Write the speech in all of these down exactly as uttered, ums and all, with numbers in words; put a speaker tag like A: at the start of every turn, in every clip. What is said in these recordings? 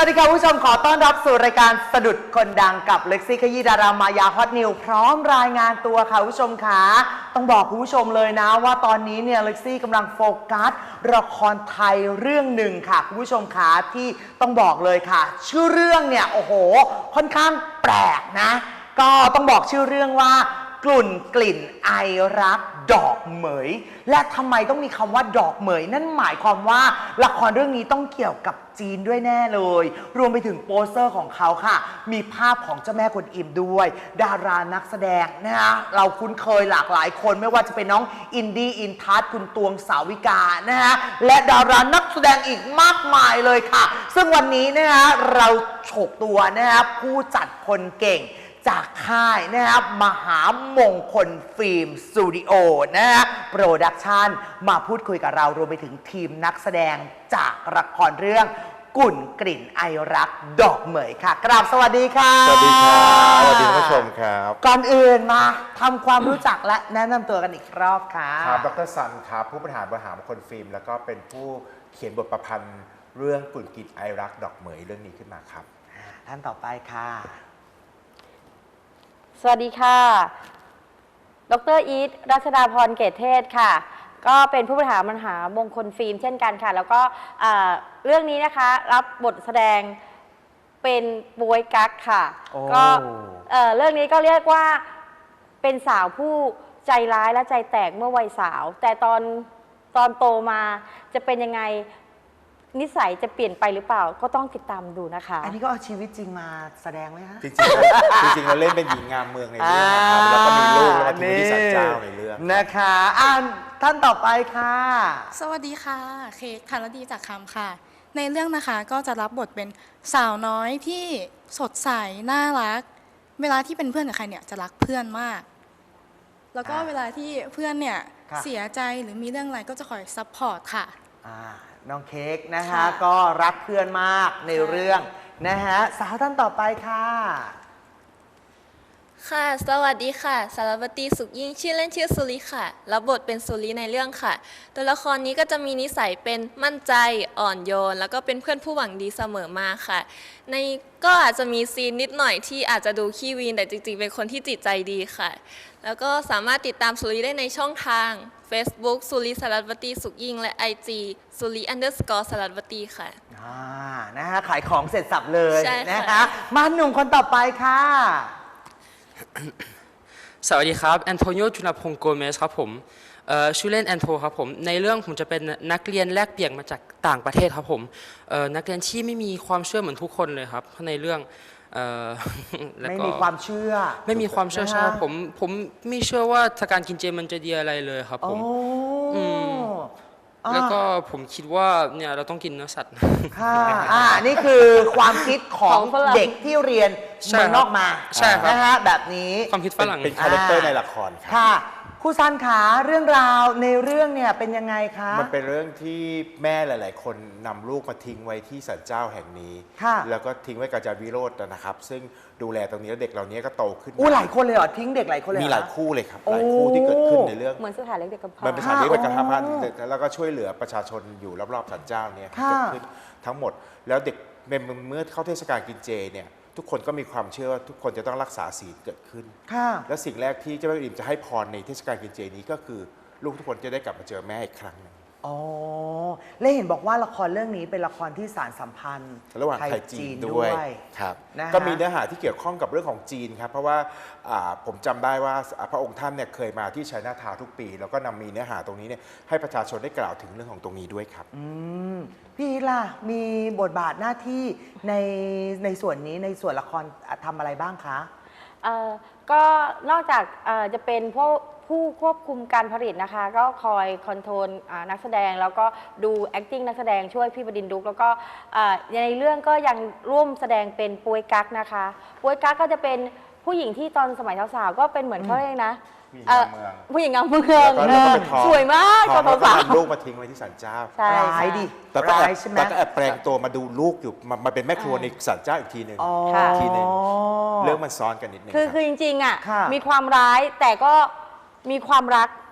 A: วัสดีค่ะผู้ชมขอต้อนรับสู่รายการสะดุดคนดังกับเล็กซี่ขยี้ดารามายาฮอตนิวพร้อมรายงานตัวค่ะผู้ชมค่ะต้องบอกคุณผู้ชมเลยนะว่าตอนนี้เนี่ยเล็กซี่กำลังโฟกัสละครไทยเรื่องหนึ่งค่ะคุณผู้ชมค่ะที่ต้องบอกเลยค่ะชื่อเรื่องเนี่ยโอ้โหค่อนข้างแปลกนะก็ต้องบอกชื่อเรื่องว่ากลุ่นกลิ่นไอรักดอกเหมยและทำไมต้องมีคำว่าดอกเหมยนั่นหมายความว่าละครเรื่องนี้ต้องเกี่ยวกับจีนด้วยแน่เลยรวมไปถึงโปสเตอร์ของเขาค่ะมีภาพของเจ้าแม่กวนอิมด้วยดารานักแสดงนะฮะเราคุ้นเคยหลากหลายคนไม่ว่าจะเป็นน้องอินดี้อินทัศน์คุณตวงสาวิกานะฮะและดารานักแสดงอีกมากมายเลยค่ะซึ่งวันนี้นะฮะเราฉกตัวนะฮะผู้จัดคนเก่งจากค่ายนะครับมหามงคลฟิล์มสตูดิโอนะฮะโปรดักชันมาพูดคุยกับเรารวมไปถึงทีมนักแสดงจากละครเรื่องกุ่นกลิ่นไอรักดอกเหมยค่ะกราบสวัสดีค่ะ
B: สวัสดีครับสวัสดีผู้ชมครับ
A: ก่อนอื่นมาทำความรู้จักและแนะนำตัวกันอีกรอบค่ะ
B: ครับดรซันครับผู้บริหารมหามงคลฟิล์มแล้วก็เป็นผู้เขียนบทประพันธ์เรื่องกุ่นกลิ่นไอรักดอกเหมยเรื่องนี้ขึ้นมาครับ
A: ท่านต่อไปค่ะ
C: สวัสดีค่ะ ดรอีทรัชดาพรเกตเทศค่ะ ก็เป็นผู้บริหารมหามงคลฟิล์มเช่นกันค่ะ แล้วก็เรื่องนี้นะคะรับบทแสดงเป็นบวยกั๊กค่ะ ก็เรื่องนี้ก็เรียกว่าเป็นสาวผู้ใจร้ายและใจแตกเมื่อวัยสาว แต่ตอนตอนโตมาจะเป็นยังไงนิสัยจะเปลี่ยนไปหรือเปล่าก็ต้องติดตามดูนะคะ
A: อันนี้ก็เอาชีวิตจริงมาแสดงไหมคะ
B: จริงๆจริงๆเราเล่นเป็นหญิงงามเมืองในเรื่องนะครับแล้วก็มีลูกแล้วก็ทิ้งที่ศาลเจ้าในเรื่อง
A: นะคะอ่านท่านต่อไปค่ะ
D: สวัสดีค่ะเค้กธารดีจากคำค่ะในเรื่องนะคะก็จะรับบทเป็นสาวน้อยที่สดใสน่ารักเวลาที่เป็นเพื่อนกับใครเนี่ยจะรักเพื่อนมากแล้วก็เวลาที่เพื่อนเนี่ยเสียใจหรือมีเรื่องอะไรก็จะคอยซัพพอร์ตค่ะ
A: น้องเค้กนะคะก็รักเพื่อนมากในเรื่องนะฮะสาวท่านต่อไปค่ะ
E: ค่ะสวัสดีค่ะสารวตีสุขยิ่งชื่อเล่นชื่อสุริค่ะรับบทเป็นสุริในเรื่องค่ะตัวละครนี้ก็จะมีนิสัยเป็นมั่นใจอ่อนโยนแล้วก็เป็นเพื่อนผู้หวังดีเสมอมาค่ะในก็อาจจะมีซีนนิดหน่อยที่อาจจะดูขี้วีนแต่จริงๆเป็นคนที่จิตใจดีค่ะแล้วก็สามารถติดตามสุริได้ในช่องทาง Facebook สุริสารวตีสุขยิ่งและ ไอ จี สุริ underscore สารวตีค่ะ
A: อ่านะฮะขายของเสร็จสับเลยนะคะมาหนุ่มคนต่อไปค่ะ
F: สวัสดีครับแอนโทนิโอจุลพงศ์โกเมสครับผมชื่อเล่นแอนโทครับผมในเรื่องผมจะเป็นนักเรียนแลกเปลี่ยนมาจากต่างประเทศครับผมนักเรียนที่ไม่มีความเชื่อเหมือนทุกคนเลยครับในเรื่อง
A: ไม่มีความเชื่อ
F: ไม่มีความเชื่อใช่ผมผมไม่เชื่อว่าการกินเจมันจะดีอะไรเลยครับผมแล้วก็ผมคิดว่าเนี่ยเราต้องกินเนื้อสัตว์
A: ค่ะอ่านี่คือความคิดของเด็กที่เรียนเมืองนอกมา
F: ใช่ครับ
A: นะฮะแบบนี้
F: ความคิดฝรั่ง
B: เป็นคาแรคเตอร์ในละครครับ
A: ค่ะครูซันขาเรื่องราวในเรื่องเนี่ยเป็นยังไงคะ
B: มันเป็นเรื่องที่แม่หลายๆคนนำลูกมาทิ้งไว้ที่ศาลเจ้าแห่งนี้แล้วก็ทิ้งไว้กับอาจารย์วิโรจน์นะครับซึ่งดูแลตรงนี้แล้วเด็กเหล่านี้ก็โตขึ้น
A: อู้หลายคนเลยเหรอทิ้งเด็กหลายคนเลย
B: มีหลายคู่เลยครับหลายคู่ที่เกิดขึ้นในเรื่อง
C: เหมือนสถานเล็กเด็กกำพร้า
B: มันเป็นสถานเล็กเด็กกำพร้าแล้วก็ช่วยเหลือประชาชนอยู่รอบๆศาลเจ้าเนี่ยเกิดขึ้นทั้งหมดแล้วเด็กเมื่อเข้าเทศกาลกินเจเนี่ยทุกคนก็มีความเชื่อว่าทุกคนจะต้องรักษาศีลเกิดขึ้นและสิ่งแรกที่เจ้าแม่อิ่มจะให้พรในเทศกาลกินเจนี้ก็คือลูกทุกคนจะได้กลับมาเจอแม่อีกครั้งนึง
A: อ๋อและเห็นบอกว่าละครเรื่องนี้เป็นละครที่สานสัมพันธ์
B: ระหว่างไทยจีนด้วยครับก็มีเนื้อหาที่เกี่ยวข้องกับเรื่องของจีนครับเพราะว่าผมจำได้ว่าพระองค์ท่านเนี่ยเคยมาที่ไชน่าทาวน์ทุกปีแล้วก็นำมีเนื้อหาตรงนี้เนี่ยให้ประชาชนได้กล่าวถึงเรื่องของตรงนี้ด้วยครับ
A: พี่ล่ะมีบทบาทหน้าที่ในในส่วนนี้ในส่วนละครทำอะไรบ้างคะ
C: ก็นอกจากจะเป็นพวกผู้ควบคุมการผลิตนะคะก็คอยคอนโทรลนักแสดงแล้วก็ดู acting นักแสดงช่วยพี่บดินทร์ดุกแล้วก็ในเรื่องก็ยังร่วมแสดงเป็นปวยกั๊กนะคะปวยกั๊กก็จะเป็นผู้หญิงที่ตอนสมัยสาวๆก็เป็นเหมือนเขาเองนะผู้หญิงงามเมืองสวยมากตอน
B: สาวๆลูกมาทิ้งไว้ที่ศาลเจ้า
A: ใช่ดิ
B: แต่ก็แอบแปลงตัวมาดูลูกอยู่มาเป็นแม่ครัวในศาลเจ้าอีกทีหนึ่งทีหนึ่งเรื่องมันซ้อนกันนิดนึง
C: คือคือจริงๆอ่ะมีความร้ายแต่ก็มีความรัก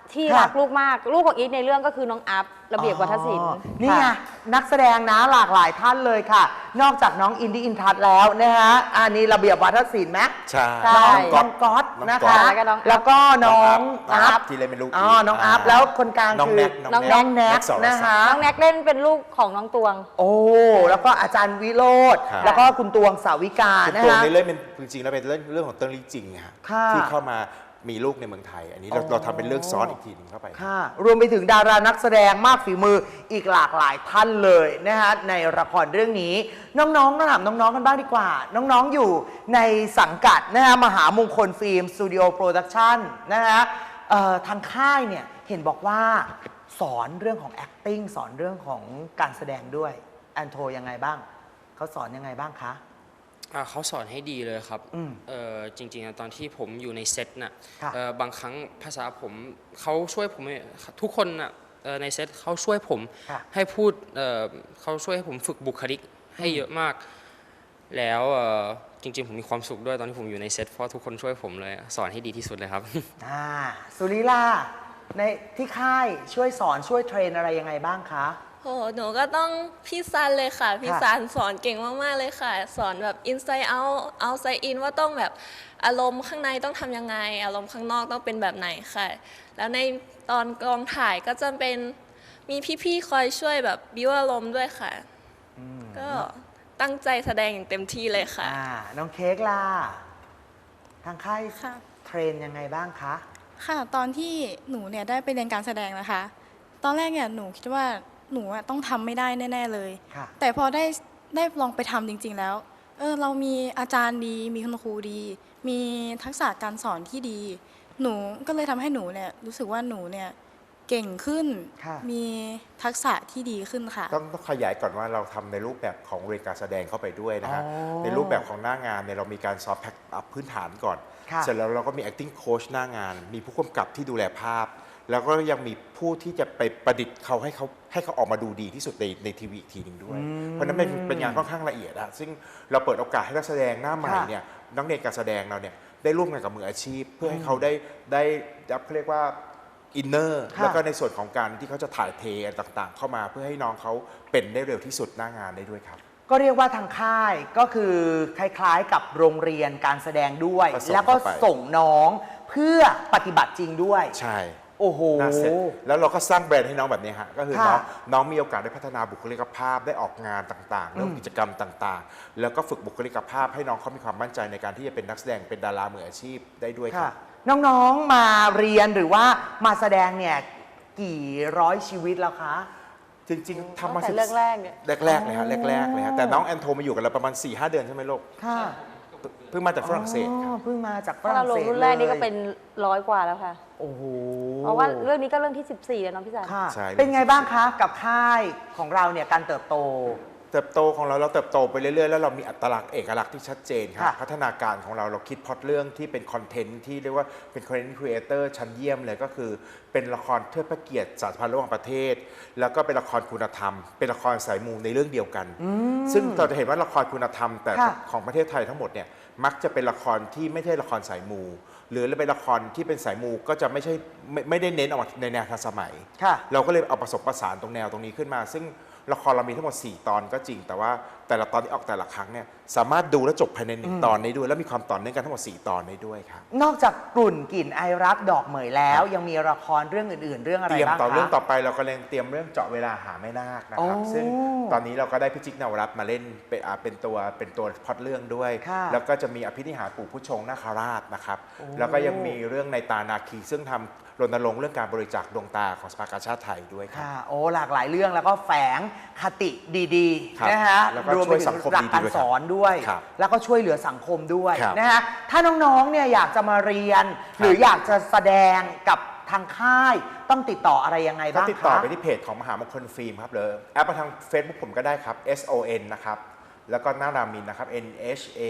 C: ที่
A: ค่ะ
C: รักลูกมาก ลูกของอีทในเรื่องก็คือน้องอัพระเบียบวัฒนศิลป์
A: อ๋อนี่ไง
C: ค่ะ
A: นักแสดงนะหลากหลายท่านเลยค่ะ นอกจากน้องอินดี้อินทัศน์แล้วนะฮะอันนี้ระเบียบวัฒนศิลป์ไหม
B: ใช่
C: ใช่
A: น้องก๊อต
B: น้อง
A: นะ
B: ก๊อ
A: คะ
B: ต
C: แล้วก็น้องอัพ
A: แล้วก็น้อง
B: น้องอั
A: อั
B: พ
A: พ
B: ที่เล่นเป็นลูก
A: อ๋อ
B: อีท
A: น้องอัพ
B: อ่า
A: แล้วคนกลาง
B: น้อง
A: คือ
B: แน็ก
C: น้อง
A: น้องแน็ก
B: สรศักดิ์
A: นะคะ
C: น้องแน็กเล่นเป็นลูกของน้องตวง
A: โอ้ แล้วก็อาจารย์วิโรธ
B: ครับ
A: แล้วก็คุณตวงสาวิกา
B: คือ
A: นะ
B: ตัว
A: คะ
B: นี้เล่นเป็นจริงๆแล้วเป็นเรื่องเรื่องของเติ้งลี่จริงอะฮะ
A: ค่ะ
B: ที่เข้ามามีลูกในเมืองไทย อันนี้เรา
A: อ๋อ
B: เราทำเป็นเรื่องซ้อนอีกทีหนึงเข้าไป
A: ค่ะ รวมไปถึงดารานักแสดงมากฝีมืออีกหลากหลายท่านเลยนะฮะในละครเรื่องนี้ น้องๆต้องถามน้องๆกันบ้างดีกว่า น้องๆอยู่ในสังกัดนะฮะมหามงคลฟิล์มสตูดิโอโปรดักชั่นนะฮะเอ่อทางค่ายเนี่ยเห็นบอกว่าสอนเรื่องของ acting สอนเรื่องของการแสดงด้วยแอนโทยังไงบ้างเขาสอนยังไงบ้างคะ
F: อ่าเขาสอนให้ดีเลยครับ
A: อืม
F: เอ่อจริงๆอะตอนที่ผมอยู่ในเซตน่ะ
A: ค่ะ
F: เอ่อบางครั้งภาษาผมเขาช่วยผมทุกคนน่ะเอ่อในเซตเขาช่วยผม
A: ค่ะ
F: ให้พูดเอ่อเขาช่วยให้ผมฝึกบุคลิกให้เยอะมาก แล้วเอ่อจริงๆผมมีความสุขด้วยตอนที่ผมอยู่ในเซตเพราะทุกคนช่วยผมเลยสอนให้ดีที่สุดเลยครับ
A: อ่าสุริลาในที่ค่ายช่วยสอนช่วยเทรนอะไรยังไงบ้างคะ
E: โหหนูก็ต้องพี่ซันเลยค่ะ พี่
A: ค่ะ
E: ซันสอนเก่งมาก ๆ เลยค่ะ สอนแบบ inside out outside in ว่าต้องแบบอารมณ์ข้างในต้องทำยังไง อารมณ์ข้างนอกต้องเป็นแบบไหนค่ะ แล้วในตอนกองถ่ายก็จะเป็นมีพี่ ๆ คอยช่วยแบบบิวอารมณ์ด้วยค่ะ ก็ตั้งใจแสดงอย่างเต็มที่เลยค่ะ
A: อ่าน้องเค้กล่ะทางค่าย
D: ค่ะ
A: เทรนยังไงบ้างคะ
D: ค่ะ ตอนที่หนูเนี่ยได้ไปเรียนการแสดงนะคะ ตอนแรกเนี่ยหนูคิดว่าหนูอะต้องทำไม่ได้แน่ๆเลย
A: ค่ะ
D: แต่พอได้ได้ลองไปทำจริง ๆ แล้ว เออเรามีอาจารย์ดี มีคุณครูดี มีทักษะการสอนที่ดี หนูก็เลยทำให้หนูเนี่ยรู้สึกว่าหนูเนี่ยเก่งขึ้น
A: ค่ะ
D: มีทักษะที่ดีขึ้นค่ะ
B: ต้องต้องขยายก่อนว่าเราทำในรูปแบบของเรียนการแสดงเข้าไปด้วยนะฮะ
A: อ๋อ
B: ในรูปแบบของหน้างานเนี่ยเรามีการซอฟต์แพ็คอัพพื้นฐานก่อน
A: ค่ะ
B: เสร็จแล้วเราก็มี acting coach หน้างาน มีผู้กำกับที่ดูแลภาพ แล้วก็ยังมีผู้ที่จะไปประดิษฐ์เขาให้เขาให้เขาออกมาดูดีที่สุดในในทีวีอีกทีหนึ่งด้วย เพราะฉะนั้นเป็นเป็นงานค่อนข้างละเอียดอะซึ่งเราเปิดโอกาสให้นักแสดงหน้าใหม่
A: ค่ะ
B: เนี่ยนักเรียนการแสดงเราเนี่ยได้ร่วมงานกับมืออาชีพ เพื่อให้เขาได้ได้รับเขาเรียกว่าอินเนอร์
A: ค่ะ
B: แล้วก็ในส่วนของการที่เขาจะถ่ายเทอะไรต่างๆ เข้ามาเพื่อให้น้องเขาเป็นได้เร็วที่สุดหน้างานได้ด้วยครับ
A: ก็เรียกว่าทางค่ายก็คือคล้ายๆกับโรงเรียนการแสดงด้วย
B: ผสม
A: แล้วก็
B: เข้าไป
A: ส่งน้องเพื่อปฏิบัติจริงด้วย
B: ใช่
A: โอ้โห
B: หน้าเซ็ตแล้วเราก็สร้างแบรนด์ให้น้องแบบนี้ฮะก็คือ
A: ค่ะ
B: น้องน้องมีโอกาสได้พัฒนาบุคลิกภาพได้ออกงานต่างๆเรื่องกิจกรรมต่างๆ แล้วก็ฝึกบุคลิกภาพให้น้องเขามีความมั่นใจในการที่จะเป็นนักแสดงเป็นดารามืออาชีพได้ด้วยค
A: ค่ะ
B: รับ
A: น้องๆมาเรียนหรือว่ามาแสดงเนี่ยกี่ร้อยชีวิตแล้วคะ
B: จริงๆทำมา
C: ตั้งแต่
B: สิบ
C: เรื่องแรกเนี่ย
B: แรกๆเลยฮะแรกๆเลยฮะ
A: อ๋อ
B: แต่น้องแอนโทมาอยู่กับเราประมาณ สี่ห้า เดือนใช่ไหมลูก
A: ค่ะ
B: เพิ่งมาจากฝรั่งเศสค
A: อ๋
B: รั
A: อบ เพิ่งมาจากฝ
C: ถ้า
A: รั่
C: เรา
A: ง
C: ล
A: เศ
C: ง
A: ส
C: รุ่นแรกนี่ก็
A: ลย
C: เป็นร้อยกว่าแล้วค่ะ
A: โอ้โห
C: เพราะว่าเรื่องนี้ก็เรื่องที่สิบสี่แล้วเน้องพี่จัน
A: ค่ะ
B: ใช่
A: เป็นไงบ้างคะกับค่ายของเราเนี่ยการเติบโต
B: เติบโตของเราเราเติบโตไปเรื่อยๆ แล้วเรามีอัตลักษณ์เอกลักษณ์ที่ชัดเจนครับ
A: ค่ะ
B: พัฒนาการของเราเราคิดพล็อตเรื่องที่เป็นคอนเทนต์ที่เรียกว่าเป็นคอนเทนต์ครีเอเตอร์ชั้นเยี่ยมเลยก็คือเป็นละครเทิดพระเกียรติสถาบันระหว่างประเทศ แล้วก็เป็นละครคุณธรรม เป็นละครสายมูในเรื่องเดียวกัน ซึ่งเราจะเห็นว่าละครคุณธรรมแต่
A: ค่ะ
B: ของประเทศไทยทั้งหมดเนี่ยมักจะเป็นละครที่ไม่ใช่ละครสายมู หรือเป็นละครที่เป็นสายมูก็จะไม่ใช่ไม่ไม่ได้เน้นออกมาในแนวทันสมัย
A: ค่ะ
B: เราก็เลยเอาผสมผสานตรงแนวตรงนี้ขึ้นมา ซึ่งละครเรามีทั้งหมด สี่ ตอนก็จริง แต่ว่าแต่ละตอนที่ออกแต่ละครั้งเนี่ยสามารถดูและจบภายในหนึ่งตอนได้ด้วย และมีความต่อเนื่องกันทั้งหมด สี่ ตอนได้ด้วยครับ
A: นอกจากกลุ่นกลิ่นไอรักดอกเหมยแล้ว ยังมีละครเรื่องอื่นๆ เรื่องอะไร
B: เตรียม
A: บ้าง
B: ต่อ
A: คะ
B: เรื่องต่อไปเราก็เลยเตรียมเรื่องเจาะเวลาหาแม่นาคนะครับ
A: โอ้
B: ซึ่งตอนนี้เราก็ได้พิจิกนวรัตน์มาเล่นเป็นอ่าเป็นตัวเป็นตัวพล็อตเรื่องด้วย
A: ค่ะ
B: แล้วก็จะมีอภินิหารปู่ผู้ชงนาคราชนะครับ
A: โอ้
B: แล้วก็ยังมีเรื่องในตานาคี ซึ่งทำรณรงค์เรื่องการบริจาคดวงตาของสภากาชาติไทยด้วยครับ
A: ค่ะ โอ้ หลากหลายเรื่องแล้วก็แฝงคติดี
B: ครับ
A: ๆ นะฮะ
B: แล้วก็
A: รวม
B: ช่
A: ไป
B: วย
A: ถึ
B: สั
A: ง
B: งคม
A: หลัก
B: ดีๆ
A: การ
B: ด้วย
A: สอนด้วย
B: ครับ
A: แล้วก็ช่วยเหลือสังคมด้วย
B: ครับ
A: นะฮะ ถ้าน้องๆ เนี่ยอยากจะมาเรียน หรืออยากจะแสดงกับทางค่าย ต้องติดต่ออะไรยังไง
B: ก็
A: บ้าง
B: ติดต่อ
A: คะ
B: ไปที่เพจของมหามงคลฟิล์มครับหรือแอปมาทาง Facebook ผมก็ได้ครับ S O N นะครับ แล้วก็นารามินนะครับ N H A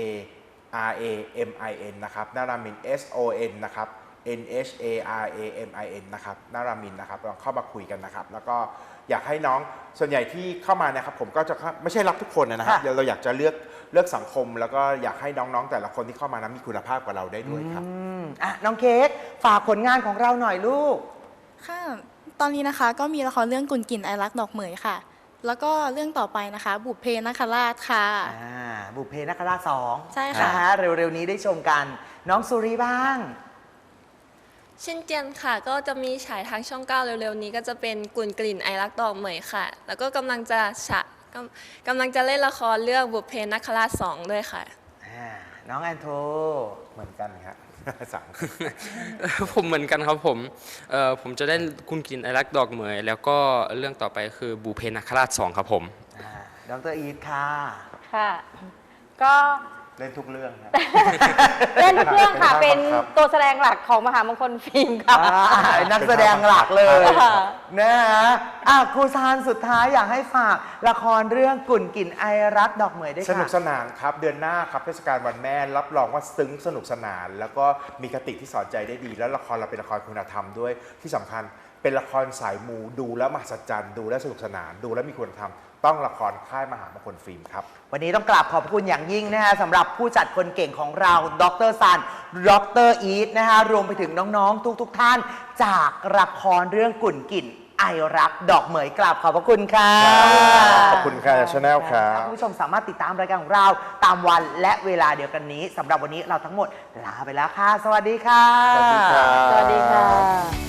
B: R A M I N นะครับนารามิน S O N นะครับ N H A R A M I N นะครับนารามินนะครับลองเข้ามาคุยกันนะครับ แล้วก็อยากให้น้องส่วนใหญ่ที่เข้ามานะครับผมก็จะไม่ใช่รับทุกคนนะครับ
A: ค่ะ
B: เราอยากจะเลือกเลือกสังคม แล้วก็อยากให้น้องๆ แต่ละคนที่เข้ามานั้นมีคุณภาพกว่าเราได้ด้วยครับ
A: อืมอ่ะน้องเค้กฝากผลงานของเราหน่อยลูก
D: ค่ะ ตอนนี้นะคะก็มีละครเรื่องกุนกินไอรักดอกเหมยค่ะ แล้วก็เรื่องต่อไปนะคะ บุพเพนักคราชค่ะ
A: อ่าบุพเพนักราชสอง
D: ใช่ค่ะ
A: นฮเร็วๆนี้ได้ชมกัน น้องสุรีบ้าง
E: เช่นเจียนค่ะ ก็จะมีฉายทางช่องเก้าเร็วๆนี้ก็จะเป็นกุ่นกลิ่นไอรักดอกเหมยค่ะ แล้วก็กำลังจะฉะกำกำลังจะเล่นละครเรื่องบุพเพนักคราชสองด้วยค่ะ
A: อ่าน้องแอนโท
B: เหมือนกันครับ สาม
F: ผมเหมือนกันครับผมเอ่อผมจะได้คุณกินไอรักดอกเหมย แล้วก็เรื่องต่อไปคือบูเพนักราชสองครับผม
A: อ่าดรอีทค่ะ
C: ค่ะ ก็
B: เล่นทุกเรื่องครับ
C: เล่นทุกเรื่องค่ะ
B: เป็
C: เป็น
B: นครับ
C: ตัวแสดงหลักของมหามงคลฟิล์มค่ะ
A: อ่านักแสดงหลักเลย
C: ค่ะ
A: นะฮะอ่ะครูซานสุดท้ายอยากให้ฝากละครเรื่องกุ่นกลิ่นไอรักดอกเหมยด้วย
B: สนุก
A: ค่ะ
B: สนานครับ เดือนหน้าครับเทศกาลวันแม่รับรองว่าซึ้งสนุกสนาน แล้วก็มีคติที่สอนใจได้ดี แล้วละครเราเป็นละครคุณธรรมด้วยที่สำคัญเป็นละครสายมูดูแล้วมหัศจรรย์ดูแล้วสนุกสนานดูแล้วมีคุณธรรมต้องละครค่ายมหามงคลฟิล์มครับ
A: วันนี้ต้องกราบขอบคุณอย่างยิ่งนะฮะสำหรับผู้จัดคนเก่งของเราดรซันดรอีทนะฮะรวมไปถึงน้องๆ ทุกๆทท่าน จากละครเรื่องกุ่นกลิ่นไอรักดอกเหมยกราบขอบพระคุณค่ะ
B: ขอบคุณค่ะชาแนลครับ
A: คุณผู้ชมสามารถติดตามรายการของเราตามวันและเวลาเดียวกันนี้สำหรับวันนี้เราทั้งหมดลาไปแล้วค่ะ สวัสดีค่ะ
B: สวัสดีครับ
C: สวัสดีค่ะ